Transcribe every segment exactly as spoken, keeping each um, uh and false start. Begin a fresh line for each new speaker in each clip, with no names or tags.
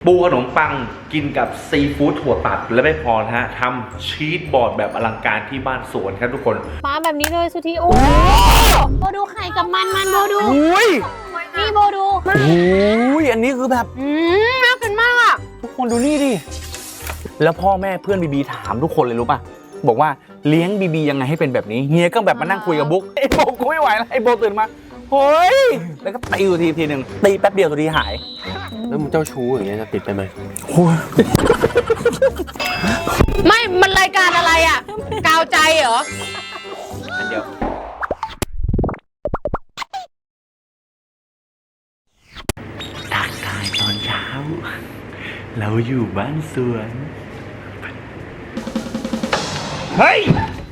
ปูขนมปังกินกับซีฟู้ดถั่วตัดและไม่พอนะฮะทำชีสบอร์ดแบบอลังการที่บ้านสวนครับทุกคน
มาแบบนี้เลยสุธีโอ้โบดูไข่กับมันมันโบดูนี่โบดู
โอ้ยอันนี้คือแบบ
อืมน่ากินมากอ่ะ
ทุกคนดูนี่ดิแล้วพ่อแม่เพื่อนบีบีถามทุกคนเลยรู้ป่ะบอกว่าเลี้ยงบีบียังไงให้เป็นแบบนี้เฮียก็แบบมานั่งคุยกับบุ๊กไอ้โบกูไม่ไหวแล้วไอ้โบตื่นมาเฮ้ยแล้วก็ตีอยู่ทีทีหนึ่งตีแป๊บเดียวตัวทีหาย
แล้วมึงเจ้าชู้อย่างเงี้ยจะติดไปไหม
ไม่มันรายการอะไรอ่ะกาวใจเหรอ
อันเดียว
ทักทายตอนเช้าเราอยู่บ้านสวนเฮ้ย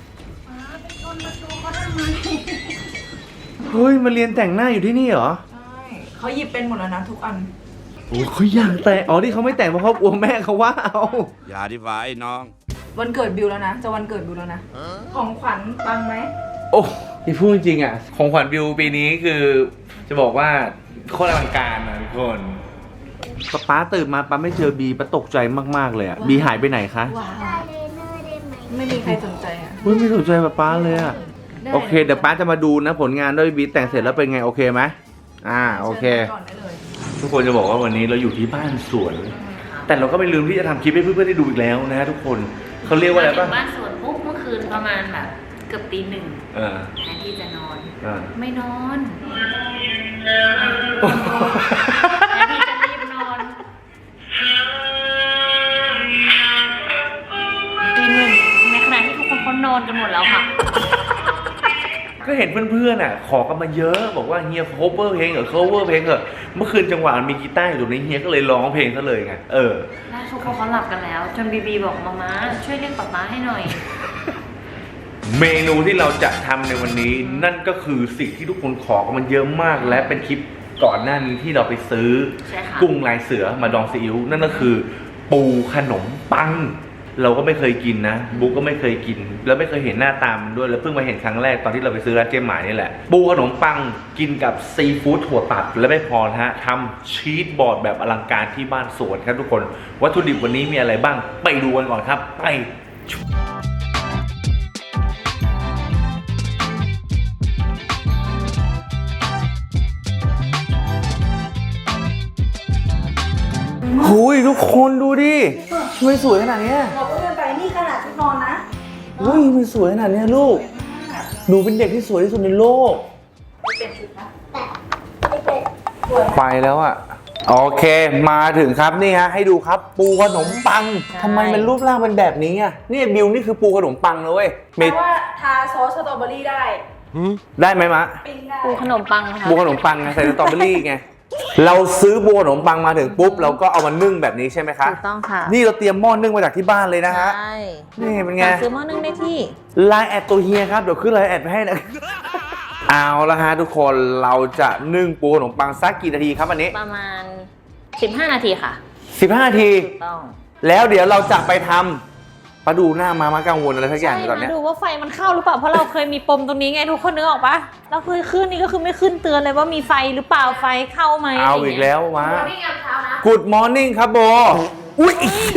เฮ้ยมาเรียนแต่งหน้าอยู่ที่นี่เหรอ
ใช่เขาหยิบเป็นหมดแล้วนะทุกอัน
โอ้เขาอยากแต่งอ๋อที่เขาไม่แต่งเพราะเขากลัวแม่เขาว่าเอา
อย่าดิฟ้าไอ้น้อง
วันเกิดบิวแล้วนะจะวันเกิดบิวแล้วนะของขวัญปังไหม
โอ้ที่พูดจริงอ่ะของขวัญบิวปีนี้คือจะบอกว่าโคตรอลังการนะทุกคนป๊าป๊าตื่นมาป๊าไม่เจอบีป๊าตกใจมากๆเลยอ่ะบีหายไปไหนคะ
ไม่มีใครสนใจอ่ะ
เฮ้ยไม่สนใจป๊าป๊าเลยอ่ะโอเคเดี๋ยวป๊าจะมาดูนะผลงานด้วยบีแต่งเสร็จแล้วเป็นไงโอเคไหมอ่าโอเคทุกคนจะบอกว่าวันนี้เราอยู่ที่บ้านสวนแต่เราก็ไม่ลืมที่จะทำคลิปให้เพื่อนๆได้ดูอีกแล้วนะทุกคนเขาเรียกว่าอะไรบ้าง
บ้านสวนปุ๊บเมื่อคืนประมาณแบบเกือบตีหนึ่งแทนที่จะนอนไม่นอนแทนที่จะรีบนอนตีหนึ่งในขณะที่ทุกคนเขานอนกันหมดแล้วค่ะ
ก็เห็นเพื่อนๆอ่ะขอกันมาเยอะบอกว่าเฮีย cover เพลงเหรอ cover เพลงเหรอเมื่อคืนจังหวะมีกีตาร์อยู่ตรงนี้เฮียก็เลยร้องเพลงซะเลยไงเออ
แล้วทุกคนเขาหลับกันแล้วจนบีบีบอกมาม่าช่วยเรียกป๊าป๊าให้หน่อย
เมนูที่เราจะทำในวันนี้นั่นก็คือสิ่งที่ทุกคนขอกันมันเยอะมากและเป็นคลิปก่อนหน้านี้ที่เราไปซื้อกุ้งลายเสือมาดองซีอิ๊วนั่นก็คือปูขนมปังเราก็ไม่เคยกินนะบุ๊กก็ไม่เคยกินแล้วไม่เคยเห็นหน้าตามด้วยแล้วเพิ่งมาเห็นครั้งแรกตอนที่เราไปซื้อร้านเจ๊หมายนี่แหละปูขนมปังกินกับซีฟู้ดถั่วตัดและไม่พอนะฮะทำชีสบอร์ดแบบอลังการที่บ้านสวนครับทุกคนวัตถุดิบวันนี้มีอะไรบ้างไปดูกันก่อนครับไปหุยทุกคนดูดิทำไมสวยขนาดนี้
เราก็เดินไปนี่ขนาดชุดนอนนะ
หุยมันสวยขนาดนี้ลูกหนูเป็นเด็กที่สวยที่สุดในโลกไปแล้วอ่ะโอเคมาถึงครับนี่ฮะให้ดูครับปูขนมปังทำไมมันรูปร่างเป็นแบบนี้อ่ะนี่บิวนี่คือปูขนมปังนะเว้ย
แปลว่าทาซอสสตรอเบอรี่ได้
ได้ไหมมะ
ปูขนมปังค่ะ
ปูขนมปังใส่สตรอเบอรี่ไงเราซื้อปูขนมปังมาถึงปุ๊บเราก็เอามานึ่งแบบนี้ใช่ไหมคะ
ถูกต้องค่ะ
นี่เราเตรียมหม้อนึ่งมาจากที่บ้านเลยนะฮะ
ใช่
นี่เป็นไง
ซื้อหม้อนึ่งได้ที่
ไลน์แอดตัวเฮียครับเดี๋ยวขึ้นไลน์แอดไปให้นะเอาละฮะทุกคนเราจะนึ่งปูขนมปังสักกี่นาทีครับอันนี้
ประมาณสิบห้านาทีค่ะ
สิบห้านาที
ถูกต้อง
แล้วเดี๋ยวเราจะไปทำมาดูหน้ามามากังวลอะไรสักอย่างตอนนี้
ดูว่าไฟมันเข้าหรือเปล่าเพราะเราเคยมีปมตรงนี้ไงทุกคนนึกออกปะเราเคยขึ้นนี่ก็คือไม่ขึ้นเตือนเลยว่ามีไฟหรือเปล่าไฟเข้าไหม
เอาอีกแล้ววะ Good morning ครับโบอุ้ย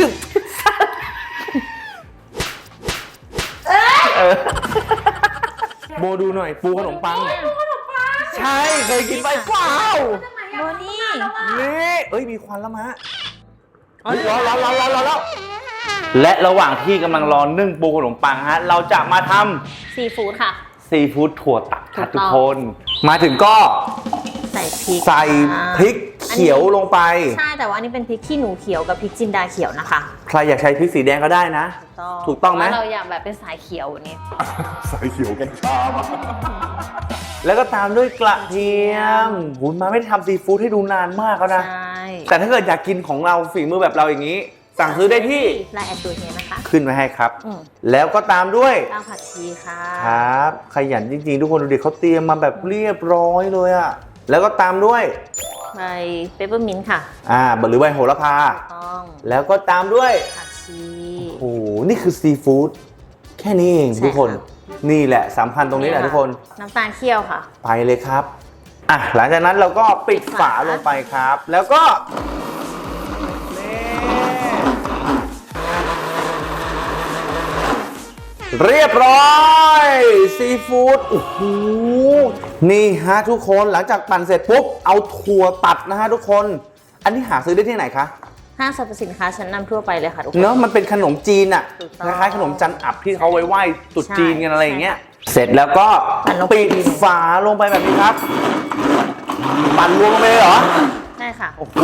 โบดูหน่อยปูขนมปังใช่เคยกินไปเปล่า
โบนี่
นี่เอ้ยมีควันแล้วมะรอรอรอรอรอแล้วและระหว่างที่กำลังรอนึ่งปูขนมปังฮะเราจะมาท
ำซีฟู้ดค่ะ
ซีฟู้ดถั่วตัดค่ะทุกคนมาถึงก็
ใส่พริก
ใส่พริกเขียวลงไป
ใช่แต่ว่านี่เป็นพริกขี้หนูเขียวกับพริกจินดาเขียวนะคะ
ใครอยากใช้พริกสีแดงก็ได้นะถูกต้องไหม
เราอยากแบบเป็นสายเขียวนี่
สายเขียวกันชอบแล้วก็ตามด้วยกระเทียมหุนมาไม่ทำซีฟู้ดให้ดูนานมากแล้วนะแต่ถ้าเกิดอยากกินของเราฝีมือแบบเราอย่างนี้สั่งซื้อได้ที่
ไลน์แอดตัวนี้นะคะ
ขึ้นมาให้ครับแล้วก็ตามด้วย
ข้าวผัดชีค่ะ
ครับขยันจริงๆทุกคนดูดิเขาเตรียมมาแบบเรียบร้อยเลยอ่ะแล้วก็ตามด้วย
ใบเปปเปอร์มินต์ค่ะ
อ่าหรือใบโหระพา
ต้อง
แล้วก็ตามด้วย
ผักชี
โอ้โหนี่คือซีฟู้ดแค่นี้เองทุกคนนี่แหละสำคัญตรงนี้แหละทุกคน
น้ำตาลเคี่ยวค่ะ
ไปเลยครับอ่ะหลังจากนั้นเราก็ปิดฝาลงไปครับแล้วก็นี่
เรียบร้อยซีฟู้ดโอ้โหนี่ฮะทุกคนหลังจากปั่นเสร็จปุ๊บเอาถั่วตัดนะฮะทุกคนอันนี้หาซื้อได้ที่ไหนคะ
ห้างสรรพสินค้าชั้นนำทั่วไปเลยค่ะทุกคน
เนอะมันเป็นขนมจีนอะ
ถูก
ค
ต้อง
ล้ายๆขนมจันอับที่เขาไว้ไหว้ตรุษจีนกันอะไรอย่างเงี้ย
ใช่
เสร็จแล้วก็
ปั่นลงไป
ปิดฝาลงไปแบบนี้ครับปั่นรวมลงไปเลยเหรอ
ใช่ค่ะ
โอ้โห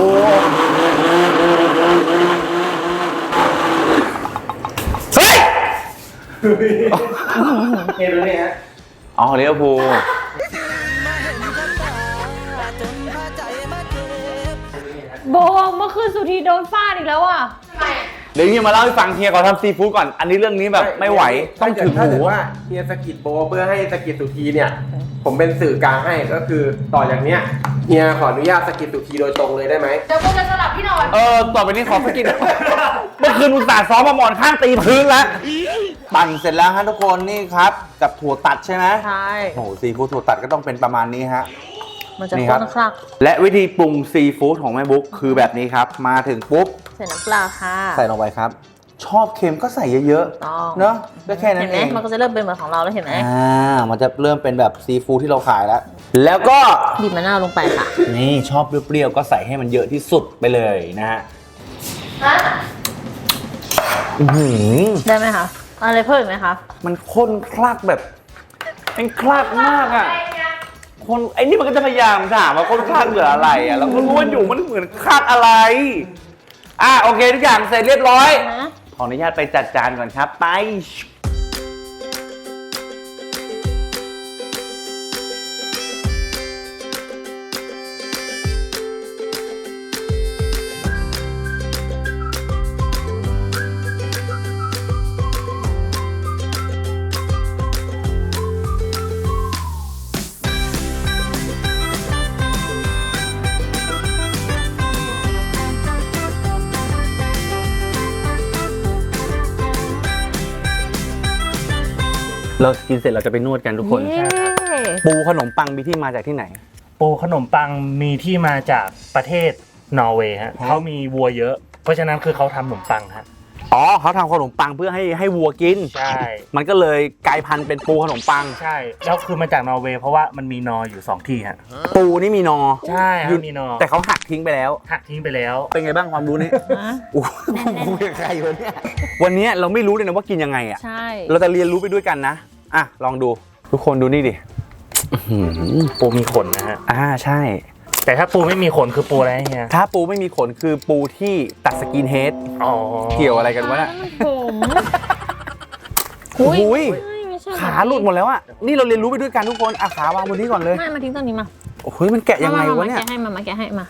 เฮ้ยเห็นไหมฮะอ๋อเรียวภูล
โบเมื่อคืนสุธีโดนฟาดอีกแล้วอ่ะ
เดี๋ยวเฮียมาเล่าให้ฟังเฮียก่อนทำซีฟู้ดก่อน อันนี้เรื่องนี้แบบไม่ไหว ต้องถึง
ถ้า
หู
เกิดว่าเฮียสกิดโบเพื่อให้สกิดสุธีเนี่ย ผมเป็นสื่อกลางให้ก็คือต่อจากเนี้ยเฮียขออนุญาตสกิดสุธีโดยตรงเลยได้ไหม
เดี๋ยวโบจะสลับที่นอน
เออ ต่อไปนี้ขอสกิน เมื่อคืนอุตส่าห์ซ้อมมาหมอนข้างตีพื้นแล้ว ปั่นเสร็จแล้วฮะทุกคนนี่ครับ กับถั่วตัดใช่ไหม
ใช่
โอ้โหซีฟู้ดถั่วตัดก็ต้องเป็นประมาณนี้ฮะ
มันจะ
นี่ค
ข้
รับ
นคลัก
และวิธีปรุงซีฟู้ดของแม่บุ๊กคือแบบนี้ครับ มาถึงปุ๊บ
ใส่น้ำปลาค่ะ
ใส่ลงไปครับ ชอบเค็มก็ใส่เยอะ
ต้อง
ๆ เนอะก็แค่นั้
เห็
น
นไหม
เอง
มันก็จะเริ่มเป็นเหมือนของเราแล้วเห็นไหม
อ่า มันจะเริ่มเป็นแบบซีฟู้ดที่เราขายแล้ว แล้วก็
บีบมะนาวลงไปค่ะ
นี่ชอบเปรี้ยวๆก็ใส่ให้มันเยอะที่สุดไปเลยนะฮะอื้อหือ
ได้ไหมคะอะไรเพิ่มอีกไหมคะ
มันข้นคลักแบบมันคลักมากอ่ะคนไอ้นี่มันก็จะพยายามถามว่าข้นคลักเหลืออะไรอ่ะแล้วก็รู้ว่าอยู่มันเหมือนคลักอะไรอ่ะโอเคทุกอย่างเสร็จเรียบร้อย
นะ
ขออนุญาตไปจัดจานก่อนครับ ไป เรากินเสร็จเราจะไปนวดกันทุกคน
เย้
ปูขนมปังมีที่มาจากที่ไหน
ปูขนมปังมีที่มาจากประเทศนอร์เวย์ฮะเขามีวัวเยอะ เพราะฉะนั้นคือเขาทำขนมปังฮะ
อ๋อเขาทำขนมปังเพื่อให้ให้วัวกิน
ใช่
มันก็เลยกลายพันธุ์เป็นปูขนมปัง
ใช่แล้วคือมาจากนอร์เวย์เพราะว่ามันมีนออยู่สองที่ฮะ
ปูนี่มีนอ
ใช่ฮะ
อยู่
มีนอ
แต่เขาหักทิ้งไปแล้ว
หักทิ้งไปแล้ว
เป็นไงบ้างความรู้นี้
ฮะ
โอ้โหคุยกับใครวะเนี่ยวันนี้เราไม่รู้เลยนะว่ากินยังไงอ่ะ
ใช่
เราจะเรียนรู้ไปด้วยกันนะ อ่ะ ลองดู ทุกคนดูนี่ดิอื้อหือ
ปูมีขนนะฮะ
อ่าใช่
แต่ถ้าปูไม่มีขนคือปูอะไรเฮีย
ถ้าปูไม่มีขนคือปูที่ตัดสกินเฮด
อ๋อ
เกี่ยวอะไรกันวะน่ะ
ผม
โอ้โหย
ไม่ไม่ใช่
ขาหลุดหมดแล้วอ่ะ นี่เราเรียนรู้ไปด้วยกันทุกคน อ่ะขาวางบนนี้ก่อนเลย
ไม่มาทิ้งตรงนี้มา
โอ้โหยมันแกะยังไง
มาว
ะเนี่ย
มาแกะให้มามาแกะให้มา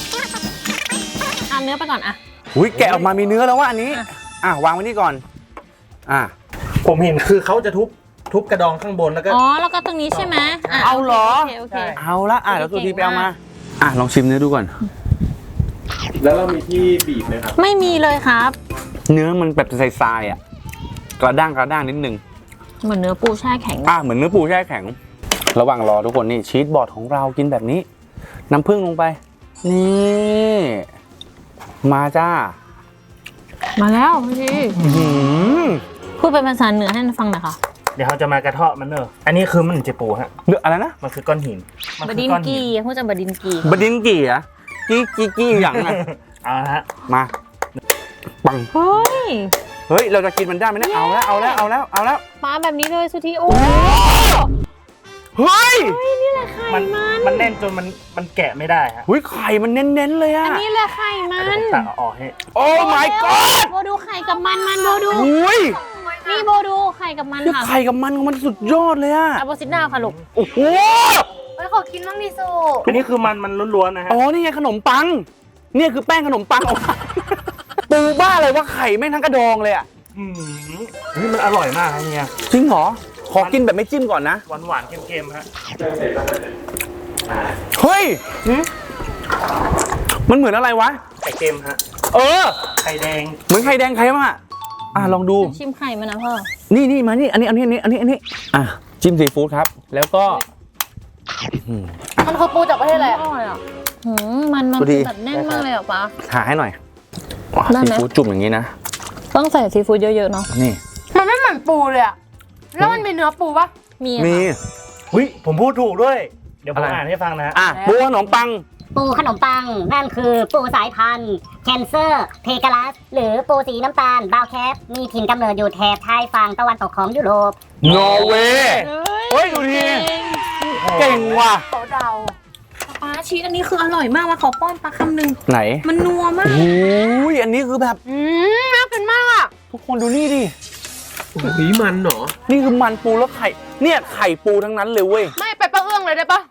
เอาเนื้อไปก่อนอะ
อุ้ยแกะออกมามีเนื้อแล้วว่ะอันนี้
อ่ะ
อ่ะวางไว้นี่ก่อน อ่ะ
ผมเห็นคือเขาจะทุบทุบกระดองข้างบนแล้วก็
อ๋อแล้วก็ตรงนี้ใช่ไหมะ
เอาเหรอ
โอเคโอเค
เอาละอ่ะเดี๋ยวสุธีไปเอามา
เก่งมาก
อ่ะลองชิมเนื้อดูก่อน
แล้วเรามีที่บีบไหมครับ
ไม่มีเลยครับ
เนื้อมันแบบทรายๆอ่ะ กระด้างกระด้างนิดนึง
เหมือนเนื้อปูแช่แข็ง
อ่ะเหมือนเนื้อปูแช่แข็ง ระหว่างรอทุกคนนี่ชีสบอร์ดของเรากินแบบนี้ น้ำผึ้งลงไป นี่ มาจ้า
มาแล้วพี่
อื้อหือ
พูดเป็นภาษาเหนือให้ฟังหน่อยค่ะ
เดี๋ยวเขาจะมากระเทาะมันเนอะอันนี้คือมันเจปูฮะ
เนื้ออะไรนะ
มันคือก้อนหินมั
บ
คื
ดิน
ก้อนหิ
กีพูดจากบดินกี
บดินกี่อะกี้กี้กี้อย่างอ่ะ
เอาละฮะ
มาปัง
เฮ้ย
เฮ้ย เราจะกินมันได้ไหมเนี่ยเอาแล้ว เอาแล้ว เอาแล้ว เอาแล้ว
ปลาแบบนี้เลยสุธีโอ้
เฮ้ย
นี่แหละไข่
มัน
มัน
มันแน่นจนมันมันแกะไม่ได้ฮะ
หุ้ยไข่มันเน้นๆเลยอะ
อันนี้แหละไข่มั
เดี๋ยวน ผมตักเอาออกให้
โอ้ my god
โบดูไข่กับมันมันโบดู
หุ้ย
นี่โบดูไข่กับมัน
คือ
ค่ะ
ไข่กับมันของมันสุดยอดเลยอะ
อาโบซิดดาวค่ะลูก
โอ้โห
เฮ้ยขอกินบ้างดิสู
อันนี้คือมันมันล้วนๆนะฮะ
อ๋อ นี่ไงขนมปัง เนี่ยคือแป้งขนมปัง ปูบ้าเลยว่าไข่แม่งทั้งกระดองเลยอะ
อืมนี่มันอร่อยมากครับเฮีย
จริงเหรอ ขอกินแบบไม่จิ้มก่อนนะ
หวานหวานๆเค็มๆฮะ
เฮ้ย มันเหมือนอะไรวะ
ไข่เค็มฮะ
เออ
ไข่แดง
เหมือนไข่แดงไข่มะอ่ะลองดู
ชิมไข่มันนะพ่อ
นี่นี่มานี่ อันนี้อันนี้อันนี้อันนี้อันนี้อ่ะจิ้มซีฟู้ดครับ แล้วก็
มันคือปูจากประเทศอะไร
อร่อยอ่ะหืมมันมัน
พอดี
แบบแน่นมากเลยอ่ะป๊า
หาให้หน่อยว้า
ได้
ซี
ไหม
ฟู้ดจุ่มอย่างนี้นะ
ต้องใส่ซีฟู้ดเยอะๆเนาะ
นี่
มันไม่เหมือนปูเลยอะ
แล้วมันมีเนื้อปูปะ
มี
มี
ค่ะ
หุ้ยผมพูดถูกด้วย เดี๋ยวผม
อะไร
อ่านให้ฟังนะ
อ่ะปูขนมปัง
ปูขนมปัง นั่นคือปูสายพันธุ์แคนเซอร์เพกาลัสหรือปูสีน้ำตาลบาวแคปมีถิ่นกำเนิดอยู่แถบชายฝั่งตะวันตกของยุโรป
นอร์เวย์เฮ้ยดูทีเก่งว่ะ
โต๊ะดาว
ป้าชีสอันนี้คืออร่อยมากมาขอป้อนปลาคำหนึ่ง
ไหน
มันนัวมาก
โอ้ยอันนี้คือแบบ
อืมน่ากินมากอ่ะ
ทุกคนดูนี่ดิ
นี่มันเหรอ
นี่คือมันปูแล้วไข่ เนี่ยไข่ปูทั้งนั้นเลยเว้ย
ไม่ไปป้าเอื้องเลยได้ปะ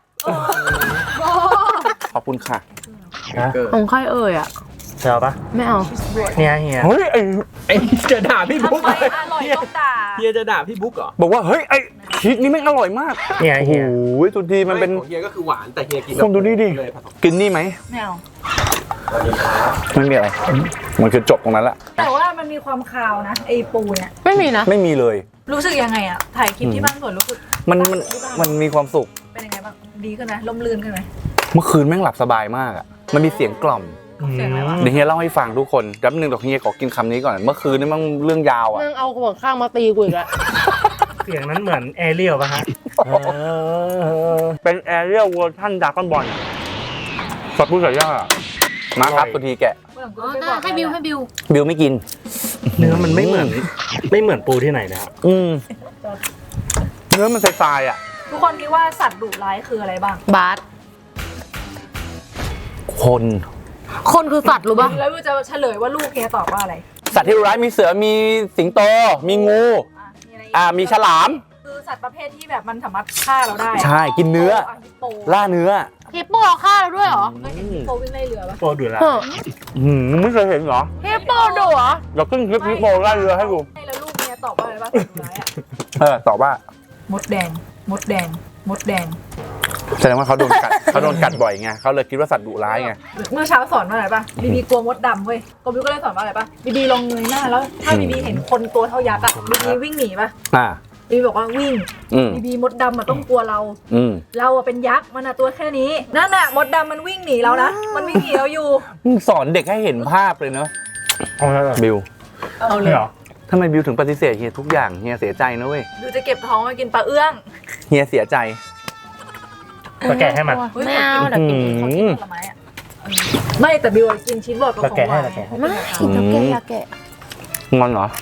ขอบคุณค่ะ
นะ
ของใครเอ่ยอ่ะ
เชียวปะ
ไม่เอา
เนี่ยเฮีย
เฮ้ยไอ้
ไอ้จะด่าพี่บุ๊ก
ทำไมอร่อยต้องด่า
เฮียจะด่าพี่บุ๊กเหรอ
บอกว่าเฮ้ยไอ้ชีสนี่แม่งอร่อยมาก
เนี่ย
โอ้โห
เฮีย
สุดทีมันเป็น
ของเฮียก็คือหวานแต่เฮียกิน
คนดูนี่ดิ
เลยผสม
กินนี่ไหม
ไม่เอา
ไม่มีอะไร มันคือจบตรงนั้นแหละ
แต่ว่ามันมีความคาวนะไอปูเนี่ย
ไม่มีนะ
ไม่มีเลย
รู้สึกยังไงอะถ่ายคลิปที่บ้านสวนรู้สึก
มันมันมันมีความสุข
เป็นยังไงบ้างดีขึ้นไหมล่มลื่นขึ้นไหม
เมื่อคืนแม่งหลับสบายมากอ่ะ มันมีเสียงกล่อม
เสียงอะไรวะ
เดี๋ยวเฮียเล่าให้ฟังทุกคนแป๊บนึงเดี๋ยวเฮียขอกินคำนี้ก่อน เมื่อคืนนี่มันเรื่องยาวอ่ะ
มึงเอาหัวข้างมาตีกูอีกแล้ว
เสียงนั้นเหมือนแอเรียลปะฮะ
เป็นแอเรียลเวอร์ชันดาร์กอนบอลสับปูใส่ย่ามาครับตัวทีแกะ
อ๋อได้ให้บิวให้บิว
บิวไม่กิน
เนื้อมันไม่เหมือนไม่เหมือนปูที่ไหนนะครับ
อืมเนื้อมันทรายๆอ่ะ
ทุกคนคิดว่าสัตว์ดุร้ายคืออะไรบ้าง
บาส
คน
คนคือสัตว์รู้ปะ
แล้ววิวจะเฉลยว่าลูกเฮียตอบว่าอะไร
สัตว์ที่ร้ายมีเสือมีสิงโต มีงู
อ่ะมีอะไรอีก
อ่ามีฉลาม
คือสัตว์ประเภทที่แบบมันสามารถฆ่าเราได้
ใช่กินเนื้อ
ะฮิปโป
ล่าเนื้อ
ฮิปโปเอาฆ่าเราด้วยเหรอ
เคยเห็นฮิปโปวิ่งไล่เรือปะ
โปรดูแล
เฮ้อ
อืมไม่เคยเห็นเหรอ
ฮิปโปดุเหรอ
เราขึ้นคลิปฮิปโปล่าเรือให้ดู
ไม่แล้วลูกเฮียตอบว่าอะไรบ้างสัตว์ดุร้ายอะ
เออตอบว่า
มดแดง มดแดง มดแดง
แสดงว่าเขาโดนกัด เขาโดนกัดบ่อยไงเขาเลยคิดว่าสัตว์ดุร้ายไง
เมื่อเช้าสอนว่าอะไรปะบีบีกลัวมดดำเว้ยกบิวก็เลยสอนว่าอะไรปะบีบีลองเงยหน้าแล้ว ถ้าบีบีเห็นคนตัวเท่ายักษ์อะบีบีวิ่งหนีปะ
อ่า
บีบีบอกว่าวิ่ง
อืม
บีบีมดดำอะต้องกลัวเรา
อืม
เราอะเป็นยักษ์มันอะตัวแค่นี้นั่นน่ะมดดำมันวิ่งหนีเรานะมันวิ่งหนีเราอยู่
มึงสอนเด็กให้เห็นภาพเลยเนอะ
เอาแล้วเหรอ
บิว
เอาเลย
เหรอ
ทำไมบิวถึงปฏิเสธเฮียทุกอย่างเฮียเสียใจนะเว้ย
ดูจะเก็บท้องมากินปลาเอื้อง
เฮียเสียใจ
ก็แกะให้มัน
ฮ้ย
ไม่เอาเดี๋ยวกิน
ขอกินผลไม้อะไม่แต่บิวอะกินชีสบอร์ดกับของหวาน
เราแกะให้
ไม่เราแกะอยากแกะ
งอนเหรอ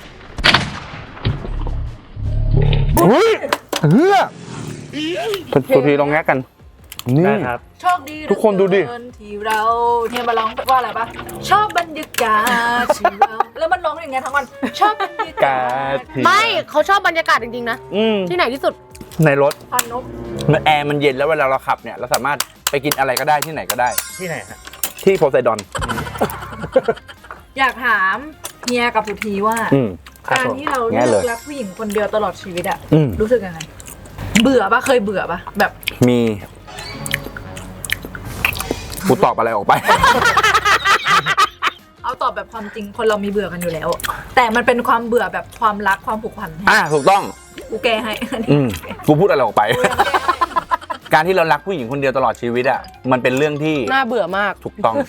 เฮ้ยเฮือสุทีลองแงะกัน นี่
ได้ครับ
โชคดี
ทุกคนดูดิ
เหลือเกินที่เราเนี่ยมาร้องว่าอะไรปะชอบบรรยากาศที่เราแล้วมันร้องอย่างเงี้ยทั้งวันชอบบรรยากาศ
ไม่เขาชอบบรรยากาศจริงๆนะ
อืม
ที่ไหนที่สุด
ในรถ
พานก
มันแอร์มันเย็นแล้วเวลาเราขับเนี่ย เราสามารถไปกินอะไรก็ได้ที่ไหนก็ได้
ที่ไหนฮะ
ที่โพไซดอน
อยากถามเฮียกับสุธีว่า
อืม
การที่เรา
แง่
เลื
เล
อย กรักผู้หญิงคนเดียวตลอดชีวิตอะ
อืม
รู้สึกยังไง เบื่อปะเคยเบื่อปะแบบ
มีกูตอบอะไรออกไป
เอาตอบแบบความจริงคนเรามีเบื่อกันอยู่แล้ว แต่มันเป็นความเบื่อแบบความรักความผูกพัน
อ่ะถูกต้อง
กูแก้ให้
อืมกูพูดอะไรออกไป
กูยังแก้ให้
การที่เรารักผู้หญิงคนเดียวตลอดชีวิตอ่ะมันเป็นเรื่องที่
น่าเบื่อมาก
ถูกต้อง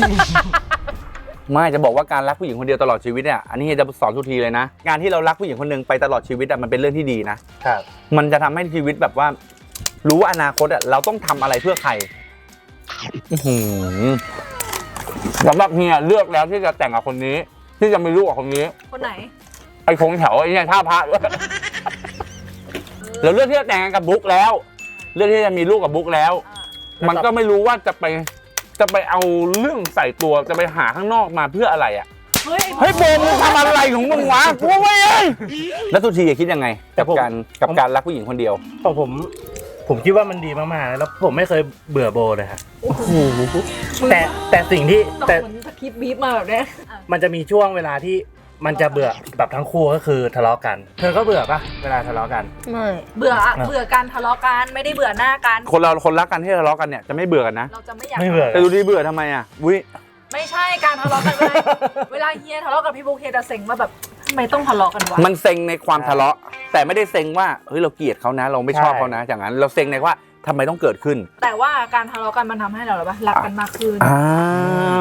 ไม่จะบอกว่าการรักผู้หญิงคนเดียวตลอดชีวิตเนี่ยอันนี้จะสอนทุกทีเลยนะการที่เรารักผู้หญิงคนหนึ่งไปตลอดชีวิตอ่ะมันเป็นเรื่องที่ดีนะครับ มันจะทำให้ชีวิตแบบว่า รู้ว่าอนาคตอ่ะเราต้องทำอะไรเพื่อใครอื้อหือสำหรับเฮียเลือกแล้วที่จะแต่งกับคนนี้ ที่จะมีลูกกับคนนี้
คนไหน
ไอ้คงแถวไอ้เนี่ยท่าพระด้วยเราเลือกที่จะแต่งงานกับบุ๊กแล้ว เลือกที่จะมีลูกกับบุ๊กแล้ว มันก็ไม่รู้ว่าจะไปจะไปเอาเรื่องใส่ตัวจะไปหาข้างนอกมาเพื่ออะไรอ่ะ
เฮ้ย
เฮ้ยโบมมึงทำอะไรของมึงวะกูไม่เองแล้วทุกทีคิดยังไง กับการกับการรักผู้หญิงคนเดียว
ของผม ผมคิดว่ามันดีมากๆ แล้วผมไม่เคยเบื่อโบเลยครับแต่แต่สิ่งที่
ต้อง
แต่
เหมือนสคริปต์บีบมาแบบเนี้ย
มันจะมีช่วงเวลาที่มันจะเบื่อแบบทั้งคู่ก็คือทะเลาะกัน เธอก็เบื่อปะเวลาทะเลาะกัน
ไม่
เบื่ออะเบื่อการทะเลาะกันไม่ได้เบื่อหน้ากัน
คนเราคนรักกันที่ทะเลาะกันเนี่ยจะไม่เบื่อกันนะ
เราจะไม่อยาก
ไม่เบื่อ
แต่ดูดีเบื่อทำไมอ่ะวิ
ไม่ใช่การทะเลาะกันเวลาเวลาเฮียทะเลาะกับพี่บุ๊กเฮียจะเซ็งว่าแบบทำไมต้องทะเลาะกันวะ
มันเซ็งในความทะเลาะ แต่ไม่ได้เซ็งว่าเฮ้ยเราเกลียดเขานะ เราไม่ชอบเขานะอย่างนั้นเราเซ็งในว่าทำไมต้องเกิดขึ้น
แต่ว่าการทะเลาะกันมันทำให้เราแบบว่ารักกันมากขึ้น
อ่า
มัน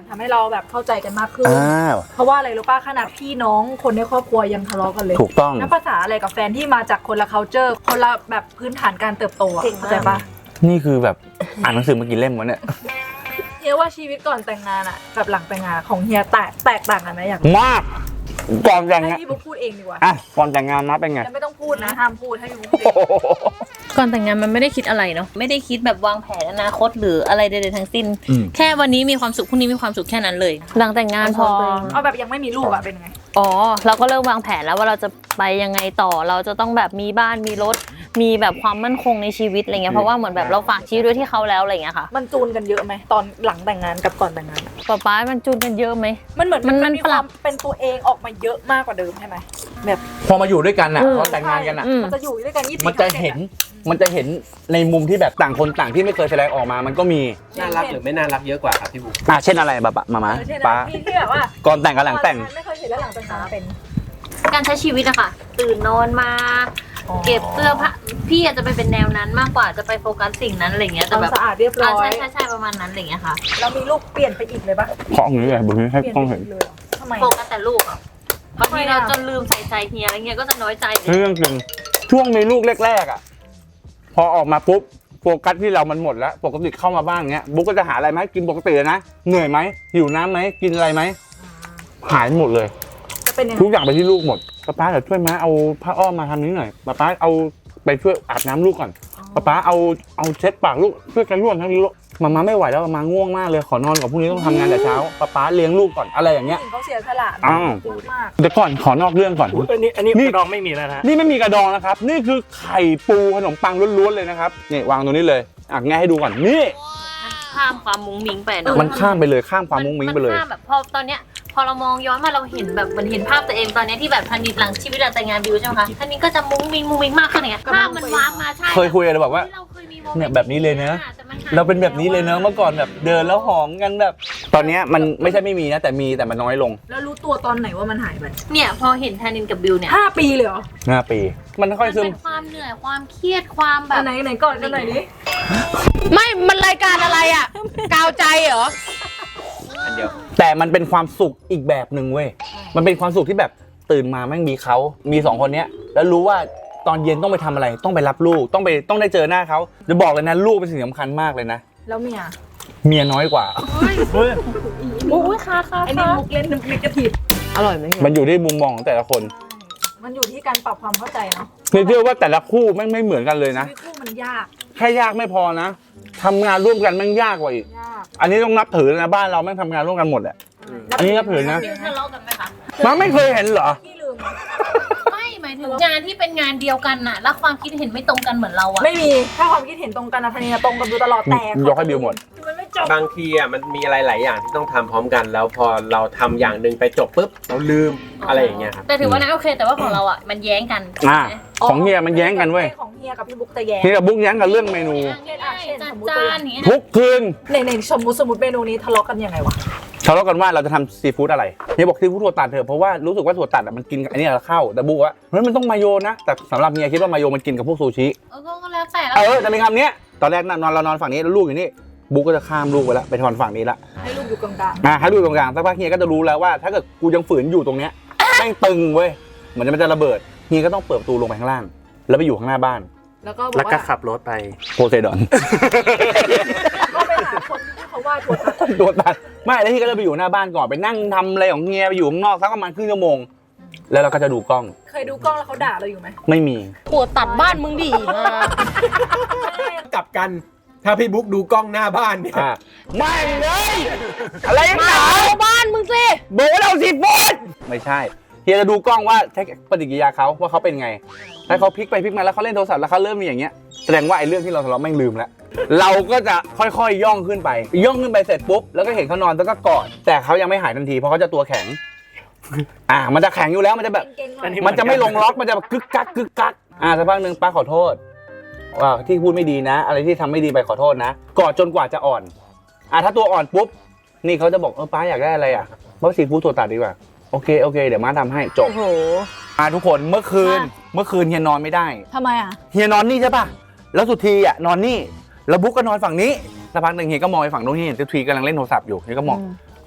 ทำให้เราแบบเข้าใจกันมากขึ้น
อ้าว
เพราะว่าอะไรรู้ป่ะขนาดพี่น้องคนในครอบครัวยังทะเลาะกันเลย
ถูกต้อง
นับภาษาอะไรกับแฟนที่มาจากคนละ culture คนละแบบพื้นฐานการเติบโตอะเข้าใจปะ
นี่คือแบบอ่านหนังสือมากี่เล่มวะเนี่ย
เฮียว่าชีวิตก่อนแต่งงานอะกับหลังแต่งงานของเฮียแตกแตกต่างกันไหมอยาก
มาก ก่อนแต่ง
ให้
งาน
พี่บุ๊กพูดเองดีกว่า
อ่ะก่อนแต่งงานนะเป็นไง
แล้วไม่ต้องพูดนะห้ามพูดให้พี่บุ๊กพูดเอง
ก่อนแต่งงานมันไม่ได้คิดอะไรเนาะไม่ได้คิดแบบวางแผนอนาคตหรืออะไรใดๆทั้งสิ้น
อืม
แค่วันนี้มีความสุขพรุ่งนี้มีความสุขแค่นั้นเลย หลังแต่งงานพอ
เอาแบบยังไม่มีลูกอะเป็นไง
อ๋อเราก็เริ่มวางแผนแล้วว่าเราจะไปยังไงต่อเราจะต้องแบบมีบ้านมีรถ มีแบบความมั่นคงในชีวิตอะไรเงี้ยเพราะว่าเหมือนแบบเราฝากชีวิตไว้ที่เขาแล้วอะไรเงี้ยค่ะ
มันจูนกันเยอะไหมตอนหลังแต่งงานกับก่อนแต่งงานอะ
ป๊าป๊ามันจูนกันเยอะไหม
มันเหมือน
มัน
มันมี
ป
ค
รั
วา
บ
มเป็นตัวเองออกมาเยอะมากกว่าเดิมใช่ไหมแบบ
พอมาอยู่ด้วยกันอ่ะ
อืม
พอแต่งงานกันอ่ะ
อืม
มันจะอยู่ด้วยกันยี่สิบ
มันจะเห็น มันจะเห็นในมุมที่แบบต่างคนต่างที่ไม่เคยแสดงออกมา มันก็มี
น่ารักหรือไม่น่ารักเยอะกว่าครับพี่บุ๊ก
อ่ะเช่นอะไรแบบมามา
ใช่
ป้า
นะที่ที่แบบว่า
ก่อนแต่งกับหลังแต่ง
ก่อนไม่เคยเห็นแล้วหลังแต่งงานเป็น
การใช้ชีวิตอะค่ะ ตื่นนอนมา เก็บเสื้อผ้าพี่อาจจะไปเป็นแนวนั้นมากกว่าจะไปโฟกัสสิ่งนั้นอะไรเงี้ย
ค
แต่
วาม
แบบ
สะอาดเรียบร้
อ่า
อย
ใช่ใช่ใช่ประมาณนั้นอะไรเงี้ยค่ะ
แล้วมีลูกเปลี่ยนไปอีกเลยปะ
เพราะอย่างนี้เลยบุญให้
เปลี่ยน
กล้อง
ไป
เห็น
อีกเลยเหรอทำไม
โฟกัสแต่ลูกอะบางทีเราจนลืมใส่ใจเฮียอะไรเงี้ยก็จะน้อยใจเลย
เรื่องจริงช่วงมีลูกแรกๆอ่ะ พอออกมาปุ๊บโฟกัสที่เรามันหมดแล้วปกติเข้ามาบ้านเงี้ยบุ๊กก็จะหาอะไรไหมาให้กินปกติเลยนะเหนื่อยไหมหิวน้ำไหมกินอะไรไหมหายหมดเลย
จะเป็นยังไง
ทุกอย่างไปที่ลูกหมดป๊าป๊าเดี๋ยวช่วยม้าเอาผ้าอ้อมมาทำนี้หน่อยป๊าป๊าเอาไปช่วยอาบน้ำลูกก่อนป๊าป๊าเอาเอาเช็ดปากลูกช่วยกันร่วมทั้งนี้ลูกมาม่าไม่ไหวแล้วมาม่าง่วงมากเลยขอนอนก่อนพรุ่งนี้ต้องทำงานแต่เช้าป๊าป๊าเลี้ยงลูกก่อนอะไรอย่างเงี้ย
ผู้หญิงเขาเสียสละ
อ้าว
พูดมาก
เดี๋ยวก่อนขอนอกเรื่องก่อน
อันนี้อันนี้
นี่
กระดองไม่มีแล้วนะฮะ
นี่ไม่มีกระดองนะครับ นี่คือไข่ปูขนมปังล้วนๆเลยนะครับนี่วางตรงนี้เลยอ่ะง่ายให้ดูก่อนนี่
ข้ามความมุ้งมิ้งไปเนาะ
มันข้ามไปเลยข้ามความมุ้งมิ้งไปเลย
นข้ามแบบพอตอนเนี้ยพอเรามองย้อนมาเราเห็นแบบมันเห็นภาพตัวเองตอนเนี้ยที่แบบทันทีหลังชีวิตหลังแต่งงานบิวใช่ไหมคะทันนี้ก็จะมุ้งมิ้งมุ้งมิ้งมากขึ้นอย่างเงี้ยภาพมันว้ามาใช่
เคยคุยกันบอกว่า
เราเคยมีโมมนต์
เนี่ยแบบนี้เลยนะ
แต่มันหย
เราเป็นแบบนี้เลยเนอะเมื่อก่อนแบบเดินแล้วหอมกันแบบ ตอนเนี้ยมันไม่ใช่ไม่มีนะแต่มีแต่มันน้อยลง
แล้วรู้ตัวตอนไหนว่ามันหายไป
เนี่ยพอเห็นทันนินกับบิวเนี่ย
ห้าปีเลยเหรอ
ห้าปี มันค่อยซึม
เป็นความเหนื่อยความเครียดความแบ
อั
บ
นไหนไหนก่อนกันหน่อยดิ
ไม่ มันรายการอะไรอ่ะ กาวใจเหรอ
อันเดียว
แต่มันเป็นความสุขอีกแบบหนึ่งเว้ยมันเป็นความสุขที่แบบตื่นมาแม่งมีเขามีสองคนเนี้ยแล้วรู้ว่าตอนเย็นต้องไปทำอะไรต้องไปรับลูกต้องไปต้องได้เจอหน้าเขาจะบอกเลยนะลูกเป็นสิ่งสำคัญมากเลยนะ
แล้วเมีย
เมียน้อยกว่า
อุ้ยค่ะค่ะ
ไอ้นี่มุกเล่นนึกกระถิบ
อร่อยไหมเฮีย
มันอยู่ที่มุมมองของแต่ละคน
มันอยู่ที่การปรับความเข้าใจเนาะ
นี่เชื่อว่าแต่ละคู่แม่งไม่เหมือนกันเลยนะ
ชีวิตคู่มันยาก
แค่ยากไม่พอนะทำงานร่วมกันแม่งยากกว่าอีก
ยาก
อันนี้ต้องนับถือนะบ้านเราแม่งทำงานร่วมกันหมดแหละ อันนี้นับถือนะ
บิวทะเลาะกันไหมคะ
มันไม่เคยเห็นเหรอ
พี่ลืม
ไม่หมายถึงงานที่เป็นงานเดียวกันน่ะแล้วความคิดเห็นไม่ตรงกันเหมือนเราอะ
ไม่มี ถ้าความคิดเห็นตรงกันนะทันนี้ตรงกันดูตลอดแต่
ยกให้บิวหมด
มันไม่จบ
บางทีอ่ะมันมีอะไรหลายอย่างที่ต้องทำพร้อมกัน แล้วพอเราทำอย่างหนึ่งไปจบปุ๊บเราลืมอะไรอย่างเงี้ยครับ
แต่ถือว่านะโอเค แต่ว่าของเราอะมันแย้งกัน
อ่า
ใช่ไหม
ของเฮียมันแย้งกันเว้ย
ของเฮียกับพี่บุ๊กจะแย้ง
เฮียกับบุ๊กแย้งกันเรื่องเมนู
ง่ายๆจัดจานอย่างเงี้ย
ทุกคืน
ในในสมมติสมมติเมนูนี้ทะเลาะกันยังไงวะ
ทะเลาะกันว่าเราจะทำซีฟู้ดอะไรเฮียบอกซีฟู้ดถั่วตัดเถอะเพราะว่ารู้สึกว่าถั่วตัดอะมันกินกับอันนี้เราเข้าแต่บุ๊กว่าเฮ้ยมันต้องมาโยนะแต่สำหรับเฮียคิดว่ามาโยมันกินกับพวกซูชิ
เออก็แล้วแต่แล้ว
เออจะเป็นคำเนี้ยตอนแรกนอนเรานอนฝั่งนี้แล้วลูกอยู่นี่บุ๊กก็จะข้ามลูกไปแล้วไปนอนฝั่งนี้ละ
ให้ลูกอยู่กลาง
อ่ะให้ลูกตรงกลางสักพักเฮียก็จะรู้แล้วว่าถ้าเกิดกูยังฝืนอยู่ตรงเนี้ยแม่งตึงเว้ยเหมือนมันจะระเบิดเฮียก็ต้องเปิดประตูลงไปข้างล่าง แล้วไปอยู่ข้างหน้าบ้าน
ๆแล้วก็บอ
แล้ว
ก
ก็
ว่า
ขับรถไป
โพไซดอน
ก็ไปหาคนที่เขาว่าถั่วตัด
ตัวตัดไม่แล้วที่ก็จะไปอยู่หน้าบ้านก่อนไปนั่งทำอะไรของเฮียไปอยู่ข้างนอกสักประมาณครึ่งชั่วโมงแล้วเราก็จะดูกล้อง
เคยดูกล้องแล้วเขาด่าเราอยู่ไหม
ไม่มี
ถั่วตัดบ้านมึงดีมาก
กลับกัน ถ้าพี่บุ๊กดูกล้องหน้าบ้านเนี่ย
อ่ะไม่เลยอะไรกันหนา
เอาบ้านมึงสิ
บอกว่าเราสิฟูดไม่ใช่เฮียจะดูกล้องว่าใช้ปฏิกิริยาเขาว่าเขาเป็นไงถ้าเขาพลิกไปพลิกมาแล้วเขาเล่นโทรศัพท์แล้วเขาเริ่มมีอย่างเงี้ยแสดงว่าไอ้เรื่องที่เราทะเลาะแม่งลืมแล้วเราก็จะค่อยๆย่องขึ้นไป ย่องขึ้นไปเสร็จปุ๊บแล้วก็เห็นเขานอนแล้วก็กอดแต่เขายังไม่หายทันทีเพราะเขาจะตัวแข็ง อ่ามันจะแข็งอยู่แล้วมันจะแบบ
เก่งๆหน่
อั
อน ย
นี้
มันจะไม่ลงล็อกมันจะแบบกึกกักกึกกักอ่าสักพักหนึ่งป้าขอโทษว่าที่พูดไม่ดีนะ อะไรที่ทำไม่ดีไปขอโทษนะกอดจนกว่าจะอ่อนอ่าถ้าตัวอ่อนปุ๊บนี่เขาจะบอกเออป้าอยากได้อะไรอ่ะป้าซีฟู้ดถั่วตัดดีกว่าโอเคโอเคเดี๋ยวม้าทำให้จบ
โอ้โห
อ่าทุกคนเมื่อคืนเมื่อคืนเฮียนอนไม่ได้
ทำไมอ่ะ
เฮียนอนนี่ใช่ป่ะแล้วสุธีอ่ะนอนนี่แล้วบุ๊กก็นอนฝั่งนี้สักพักหนึ่งเฮียก็มองไปฝั่งโน้นเฮียเห็นสุธีกำลังเล่นโทรศัพท์อยู่เฮียก็มอง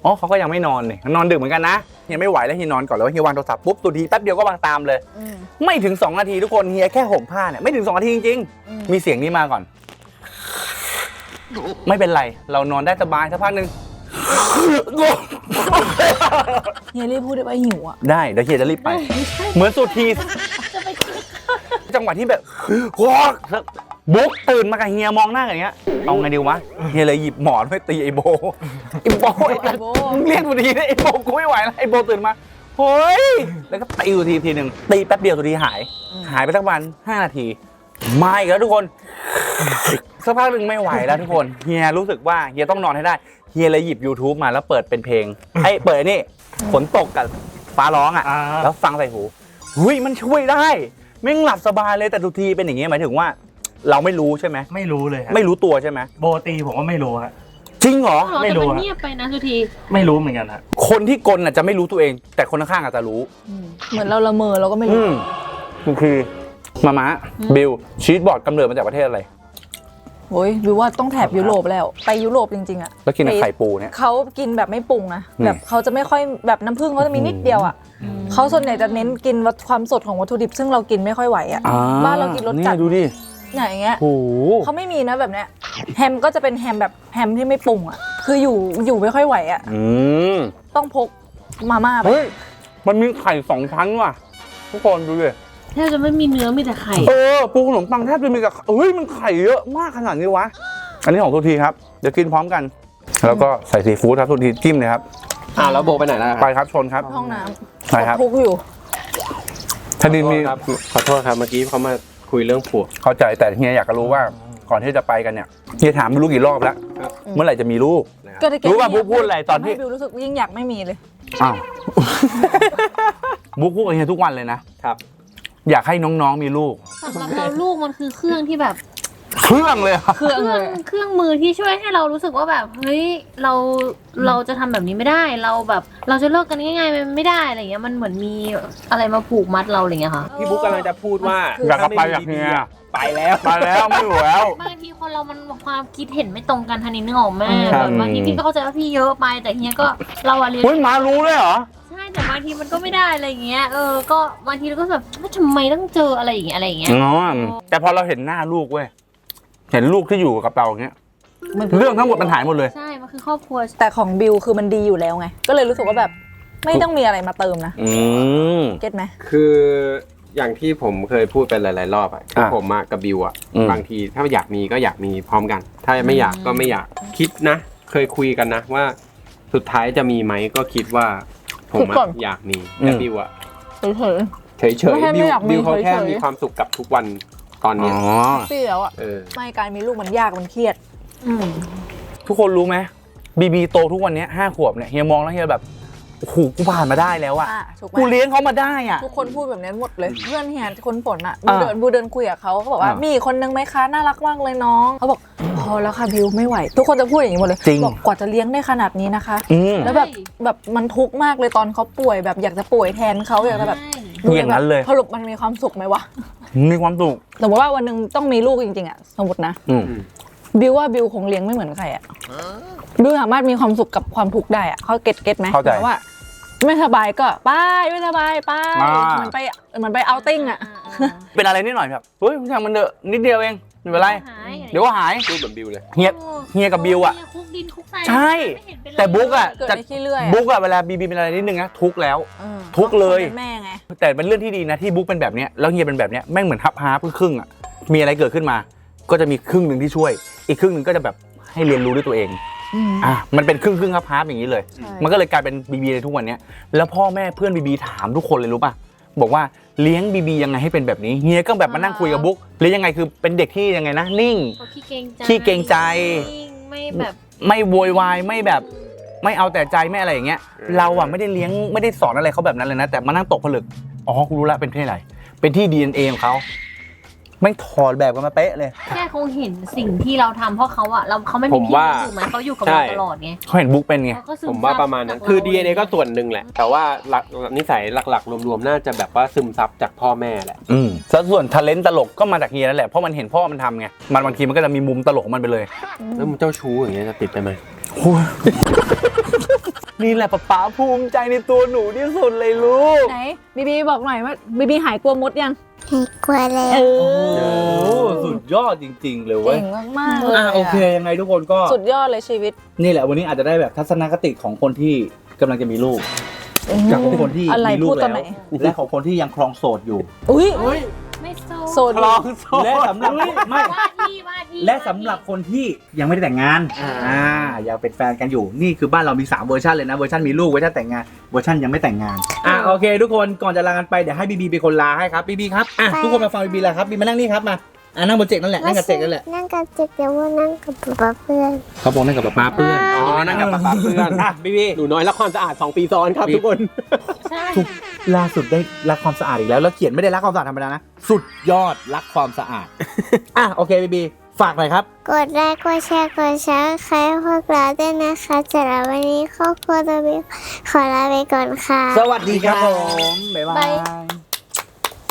อ๋อเขาก็ยังไม่นอนเลยนอนดึกเหมือนกันนะเฮียไม่ไหวแล้วเฮียนอนก่อนแล้วเฮียวางโทรศัพท์ปุ๊บตัวทีแป๊บเดียวก็วางตามเลย
อืม
ไม่ถึงสองนาทีทุกคนเฮียแค่ห่มผ้าเนี่ยไม่ถึงสองนาทีจริง
อืม
ๆมีเสียงนี้มาก่อน ไม่เป็นไรเรานอนได้สบายสักพักหนึ่ง
เฮียรีบพูดได้ว่าหิวอ่ะ
ได้เดี๋ยวเฮียจะรีบไป เหมือนสุดทีจังหวะที่แบบวอกบุ๊กตื่นมากับเฮียมองหน้ากันอย่างเงี้ยเอาไงดีวะเฮียเลยหยิบหมอนไปตีไอโบไอโบไอโบมึงเรียกสุดทีนะไอโบกูไม่ไหวแล้วไอโบตื่นมาเฮ้ยแล้วก็ตีอยู่ทีทีหนึ่งตีแป๊บเดียวสุดทีหาย หายไปสักวันห้านาทีมาอีกแล้วทุกคนสักพักหนึ่งไม่ไหวแล้วทุกคนเฮียรู้สึกว่าเฮียต้องนอนให้ได้เฮียเลยหยิบ YouTube มาแล้วเปิดเป็นเพลงไอ้เปิดนี่ฝนตกกับฟ้าร้องอ่ะ
อ่า
แล้วฟังใส่หูหุยมันช่วยได้แม่งหลับสบายเลยแต่ทุกทีเป็นอย่างเงี้ยหมายถึงว่า เราไม่รู้ใช่ไหม
ไม่รู้เลยฮะ
ไม่รู้ตัวใช่ไหม
โบตีผมก็ไม่รู้ฮะ
จริงเหรอ
ไม่รู้
แต่มัน
อะ
เงียบไปนะทุกที
ไม่รู้เหมือนกันฮะ
คนที่กลน่ะจะไม่รู้ตัวเอง แต่คนข้างๆอาจจะรู้
เหมือนเราละเมอเราก็ไม่
อื
รู้
มมันคือมาม่าบิลชีสบอร์ดกำเนิดมาจากประเทศอะไร
โอ้ยวิวว่าต้องแถบยุโรปแล้ว ไปยุโรปจริงๆอ่ะ
แล้วกินกับไข่ปูเนี่ย
เขากินแบบไม่ปรุงนะ
อืม
แบบเขาจะไม่ค่อยแบบน้ำผึ้งเขาจะมีนิดเดียวอ่ะเขาส่วนใหญ่จะเน้นกินวัตความสดของวัตถุดิบซึ่งเรากินไม่ค่อยไหวอ่ะ
อ่
บ้านเรากินรสจัด
นี่ดูดิ
อย่างเงี้ย
โอ้โห
เขาไม่มีนะแบบเนี้ยแฮมก็จะเป็นแฮมแบบแฮมที่ไม่ปรุงอ่ะคืออยู่อยู่ไม่ค่อยไหวอ่ะ
อืม
ต้องพกมาม่าไป
เฮ้ยมันมีไข่สองชั้นว่ะทุกคนดูดิ
แทบจะไม่มีเนื้อมีแต่ไข่
เออปูขนมปังแทบจะมีกับเฮ้ยมันไข่เยอะมากขนาดนี้วะอันนี้ของทุกทีครับเดี๋ยวกินพร้อมกัน แล้วก็ใส่ซีฟู้ดครับทุกทีจิ้มเลยครับ
อ่าแล้วโบไปไหนแล้วครับ
ไปครับชนครับ
ห้องน้
ใช่ครับ
ำทุกอยู่
ทนินมี
ครับขอโทษครับเมื่อกี้เขามาคุยเรื่องผัว
เข้าใจแต่เฮียอยากจะรู้ว่าก่อนที่จะไปกันเนี่ยเฮียถามไม่รู้กี่รอบแล้ว
ครับ
เมื่อไหร่จะมีลูก
ก็ได้แค่
รู้ป่ะ
นี้
บุ๊คพูดอะไรตอนที่
ทำให้บิวรู้สึกยิ่งอยากไม่มีเลย
อ้าว บุ๊กพูดกับเฮียทุกวันเลยนะครับ อยากให้น้องๆมีลูก
สำหรับเราลูกมันคือเครื่องที่แบบ
เครื่องเลยอะ
เครื่อง
เค
เล
รื่อง
ย
เครื่องมือที่ช่วยให้เรารู้สึกว่าแบบเฮ้ยเราเราจะทำแบบนี้ไม่ได้เราแบบ เราจะเลิกกันง่ายๆมันไม่ได้อะไรเงี้ยมันเหมือนมีอะไรมาผูกมัดเราอะไรเงี้ยค่ะ
พี่บุ๊กกำลังจะพูดว่า
อยากกลับไปอยากเฮีย
ไปแล้ว
ไปแล้วไม่อยู่แล้ว
บางทีคนเรามันความคิดเห็นไม่ตรงกันทันนี้นึกออกไหม
ครั
แบบ บบางทีพี่ก็เข้าใจว่าพี่เยอะไปแต่เฮียก็เราอะเรียน
เฮ้ยหมารู้เลยเหรอ
ใช่แต่บางทีมันก็ไม่ได้อะไรอย่างเงี้ยเออก็บางทีเราก็แบบว่าทำไมต้องเจออะไรอย่างเงี้ยอะไรอย่างเงี้ย
อ๋อแต่พอเราเห็นหน้าลูกเว้ยเห็นลูกที่อยู่กับเราอย่างเงี้ย
มัน
เรื่องทั้งหมดมันหายหมดเลย
ใช่มันคือครอบครัว
แต่ของบิวคือมันดีอยู่แล้วไง ก็เลยรู้สึกว่าแบบไม่ต้องมีอะไรมาเติมนะ
อืม
เก็ตไหม
คืออย่างที่ผมเคยพูดไปหลาย ๆ รอบอะคือ
อ่ะ
ผมอะกับบิวอะ
อืม
บางทีถ้าอยากมีก็อยากมีพร้อมกัน ถ้าไม่อยากก็ไม่อยากคิดนะ เคยคุยกันนะว่าสุดท้ายจะมีไหมก็คิดว่าผม
คิดก่อ
อะ
น
อยากมีแต่บิวอะ
เฉย
เฉย
ไม่ใช่
ๆ
ไม่
บิว
อยากมี
บิวเขาแค่
เฉยๆ
มีความสุขกับทุกวันตอน
อ๋
เนี้ย
อ
ๆพี่แล้วอ่ะ
เออ
ไม่การมีลูกมันยากมันเครียด
อืม
ทุกคนรู้ไหมบีบีโตทุกวันเนี้ยห้าขวบเนี่ยเฮียมองแล้วเฮียแบบโอ้โหกูผ่านมาได้แล้วอะ
อ่ะถูกไหม
กูเลี้ยงเขามาได้อะ
ทุกคนพูดแบบนี้หมดเลย เพื่อนเฮียคนฝนอ่ะบู
อ่า
เดินบูเดินคุยกับเขาเขาบอกว่า
อ่ามี
มีอีกคนนึงไหมคะน่ารักมากเลยน้องเขาบอกพอแล้วค่ะบิวไม่ไหว ทุกคนจะพูดอย่างนี้หมดเลย
จริง
บอกกว่าจะเลี้ยงได้ขนาดนี้นะคะ
อืม
แล้วแบบแบบมันทุกข์มากเลยตอนเขาป่วยแบบอยากจะป่วยแทนเขาอยากจะแบบ
อย่างนั้นเลย
สรุปมันมีความสุขไหมวะ
มีความสุข
สมมติว่าวันหนึ่งต้องมีลูกจริงๆอ่ะสมมตินะ
อืม
บิวว่าบิวคงเลี้ยงไม่เหมือนใครอ่ะบิวสามารถมีความสุขกับความทุกข์ได้อ่ะเขาเก็ตเก็ตไหม
เข้าใจ
หมยว่า ไม่สบายก็ไปไม่สบายไป
อ่า
เหมือนไปเหมือนไปเอาติ้งอ่ะ
เป็นอะไรนิดหน่อยแบบเฮ้ยช่างมันเถอะนิดเดียวเองไม่เป็นไร
หาย
เดี๋ยวก็หาย
พูดเหมือนบิวเลย
เฮียเฮียกับบิวอะ
คุกดินคุกทราย
ใช่
ไม่เห็นเป็นไร
แต่บุ๊กอะ
เกิด
จะ
ได้ขี้เลื่อยอะ
บุ๊กอะเวลาบีบีเป็นอะไรนิดนึงนะทุกข์แล้ว
เออ
ทุกข์เลย
ป็นแม่ไง
แต่เป็นเรื่องที่ดีนะที่บุ๊กเป็นแบบเนี้ยแล้วเฮียเป็นแบบเนี้ยแม่งเหมือนฮับฮาร์ปครึ่งๆอะมีอะไรเกิดขึ้นมา ก็จะมีครึ่งหนึ่งที่ช่วย อีกครึ่งหนึ่งก็จะแบบให้เรียนรู้ด้วยตัวเอง
อืม
อ่ะมันเป็นครึ่งครึ่งฮับฮาร์ปอย่างนี้เลย
ใช่
มันก็เลยกลายเป็นบีบีในทุกวันเนี้ยแล้วพ่อแม่เพื่อนบีบีถามทุกคนเลยรู้ป่ะบอกว่าเลี้ยงบีบียังไงให้เป็นแบบนี้เฮียก็แบบมานั่งคุยกับบุ๊กเลี้ยงยังไงคือเป็นเด็กที่ยังไงนะนิ่ง
เขาขี้เกรงใจ
ขี้เกรงใจ
ไม่แบบ
ไม่โวยวายไม่แบบไม่เอาแต่ใจไม่อะไรอย่างเงี้ยเราอ่ะไม่ได้เลี้ยงไม่ได้สอนอะไรเขาแบบนั้นเลยนะแต่มานั่งตกผลึกอ๋อกูรู้ละเป็นที่ไหนเป็นที่ ดี เอ็น เอ ของเขาไม่งถอดแบบกันมาเป๊ะเลย
แค่คงเห็นสิ่งที่เราทำเพราะเขาอะเราเขาไม่
ผ
มี
ม
ที่
ว่า
ถูกไหมเขาอยู่กับ
ใช่
เราตลอดไง
เขาเห็นบุ๊กเป็นไง
เขาก็ซึ
ผมว่าประมาณนั้น
ซับ
คือ
จ
ดี เอ็น เอ ก็ส่วนหนึ่งแหละ แต่ว่าหลักนิสัยหลักๆ รวมๆ น่าจะแบบว่าซึมซับจากพ่อแม่แหละ
อืมแล้วส่วนทาเลนต์ตลกก็มาจากเฮียนั่นแหละเพราะมันเห็นพ่อมันทำไงมันบางทีมันก็จะมีมุมตลกของมันไปเลย
แล้วมึงเจ้าชู้อย่างเงี้ยจะติดไปไหม
นี่แหละป๊าป๊าภูมิใจในตัวหนูที่สุดเลยลูก
ไหนบีบีบอกหน่อยว่าบีบีหายกลัวมดยัง
กลัวแล้ว
เอ
โอ้
อ
สุดยอดจริง ๆ เลยเว้
เก่
ย
งมากๆเลย
อ่ะโอเคยังไงทุกคนก็
สุดยอดเลยชีวิต
นี่แหละวันนี้อาจจะได้แบบทัศนคติของคนที่กำลังจะมีลูกจากของคนที่
อะไร
มีลู
พู
ก
ดตอน
แล้
ไหน
วและของคนที่ยังครองโสดอยู่
อุ้ย
ไม่โซ
โซน
ครองโสดและสำหรับไม่
ว่าที่ว่าที่
และสำหรับคนที่ยังไม่ได้แต่งงานอ่ายังเป็นแฟนกันอยู่นี่คือบ้านเรามีสามเวอร์ชันเลยนะเวอร์ชันมีลูกเวอร์ชันแต่งงานเวอร์ชันยังไม่แต่งงานอ่ะโอเค ทุกคนก่อนจะลากันไปเดี๋ยวให้บีบีเป็นคนลาให้ครับบีบีครับอ่ะทุกคนมาฟังบีบีลาครับบีมานั่งนี่ครับมาอ่ะนั่งบนเจกนั่นแหละนั่งกับเจกนั่นแหละ
นั่งกับเจ็กแต่ว่านั่งกับป๊าเพื่อน
เขาบอกนั่งกับป๊าเพื่อน
อ๋อนั่งกับป๊าป๊าเพื่อน
อ่ะบีบี
หนูน้อยรักความสะอาดสองปีซ้อนครับทุกคน
ใช่
ถูกล่าสุดได้รักความสะอาดอีกแล้วแล้วเขียนไม่ได้รักความสะอาดธรรมดานะสุดยอดรักความสะอาดอ่ะโอเคบีบีฝากหน่อยครับ
กดไลค์กดแชร์กดซับสไครต์พวกเราด้วยนะคะสำหรับวันนี้ครอบครัวตัวบิวขอลาไปก่อนค่ะ
สวัสดีครับผมบ๊ายบาย